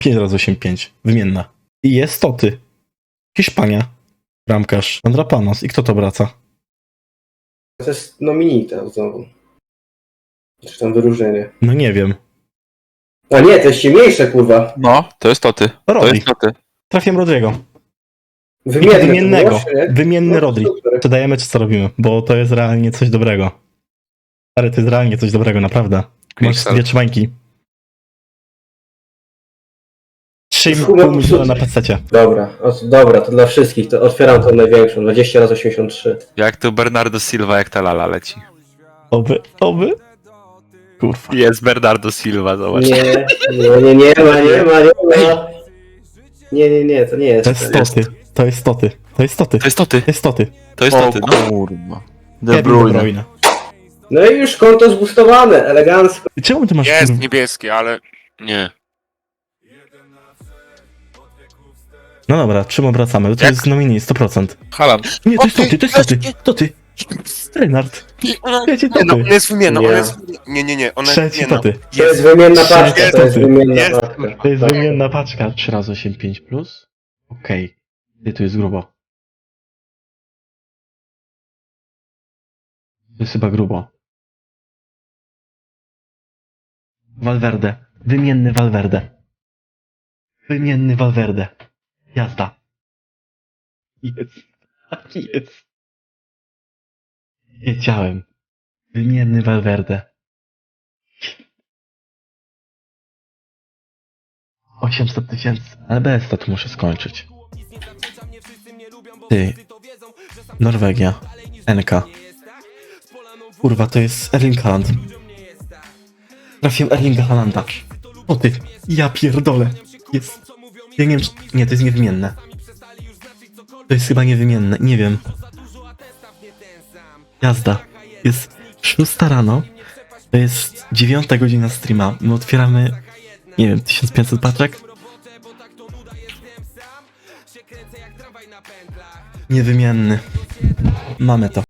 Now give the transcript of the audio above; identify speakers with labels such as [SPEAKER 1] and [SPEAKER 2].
[SPEAKER 1] 5 razy 8-5. Wymienna. I jest Toty. Hiszpania. Bramkarz. Andrapanos. I kto to wraca?
[SPEAKER 2] To jest nominita znowu. Czy tam wyróżnienie.
[SPEAKER 1] No nie wiem.
[SPEAKER 2] A nie, to jest ciemniejsze, kurwa.
[SPEAKER 3] No, to jest Toty. To
[SPEAKER 1] Rodri.
[SPEAKER 3] jest Toty.
[SPEAKER 1] Trafiłem Rodriego.
[SPEAKER 2] Wymienne to
[SPEAKER 1] Wymiennego.
[SPEAKER 2] było, czy nie?
[SPEAKER 1] Wymienny
[SPEAKER 2] No,
[SPEAKER 1] Rodri.
[SPEAKER 2] super.
[SPEAKER 1] Czy dajemy, czy co robimy? Bo to jest realnie coś dobrego. Ale to jest realnie coś dobrego, naprawdę. Masz
[SPEAKER 3] Pixel.
[SPEAKER 1] 2 trzymańki.
[SPEAKER 2] Chuj,
[SPEAKER 1] 3,5 miliona na PC.
[SPEAKER 2] Dobra, to dla wszystkich. To otwieram tą największą. 20 razy 83.
[SPEAKER 3] Jak to Bernardo Silva, jak ta lala leci.
[SPEAKER 1] Oby. Kurwa.
[SPEAKER 3] Jest Bernardo Silva, zobacz.
[SPEAKER 2] Nie ma. Nie, to nie jest.
[SPEAKER 1] To jest Toty. To jest Toty. To jest Toty.
[SPEAKER 3] To jest Toty.
[SPEAKER 1] To jest Toty.
[SPEAKER 3] To jest
[SPEAKER 4] O
[SPEAKER 3] Toty, no.
[SPEAKER 4] kurwa.
[SPEAKER 1] Kevin
[SPEAKER 4] De Bruyne.
[SPEAKER 2] No i już konto zboostowane, elegancko.
[SPEAKER 1] Czemu ty masz...
[SPEAKER 5] Jest niebieski, ale nie.
[SPEAKER 1] No dobra, czym obracamy? To
[SPEAKER 5] Jak?
[SPEAKER 1] jest nominee, 100%.
[SPEAKER 5] Haaland.
[SPEAKER 1] Nie, to jest
[SPEAKER 5] O,
[SPEAKER 1] Toty, to jest Toty. Toty. Renard. Wiecie,
[SPEAKER 5] Nie, no,
[SPEAKER 1] Toty.
[SPEAKER 5] ona jest wymienna,
[SPEAKER 2] Nie.
[SPEAKER 5] ona jest... Nie, ona jest
[SPEAKER 1] Trzeci
[SPEAKER 5] wymienna.
[SPEAKER 1] Toty.
[SPEAKER 2] To jest wymienna paczka,
[SPEAKER 1] Jest.
[SPEAKER 2] to jest wymienna
[SPEAKER 5] Jest.
[SPEAKER 2] paczka.
[SPEAKER 1] To jest wymienna paczka. 3 razy 8,5 plus? Okej. Ty, tu jest grubo. To jest chyba grubo. Valverde. Wymienny Valverde. Wymienny Valverde. Jazda. Jest. Tak jest. Wiedziałem. Wymienny Valverde. 800 000. Ale bez to muszę skończyć. Ty. Norwegia. NK. Kurwa, to jest Erling Haaland. Trafiłem Erlinga Haalanda. O ty. Ja pierdolę. Jest. Ja nie wiem, nie, to jest niewymienne. To jest chyba niewymienne. Nie wiem. Jazda. Jest 6 rano. To jest 9 godzina streama. My otwieramy, nie wiem, 1500 paczek. Niewymienny. Mamy to.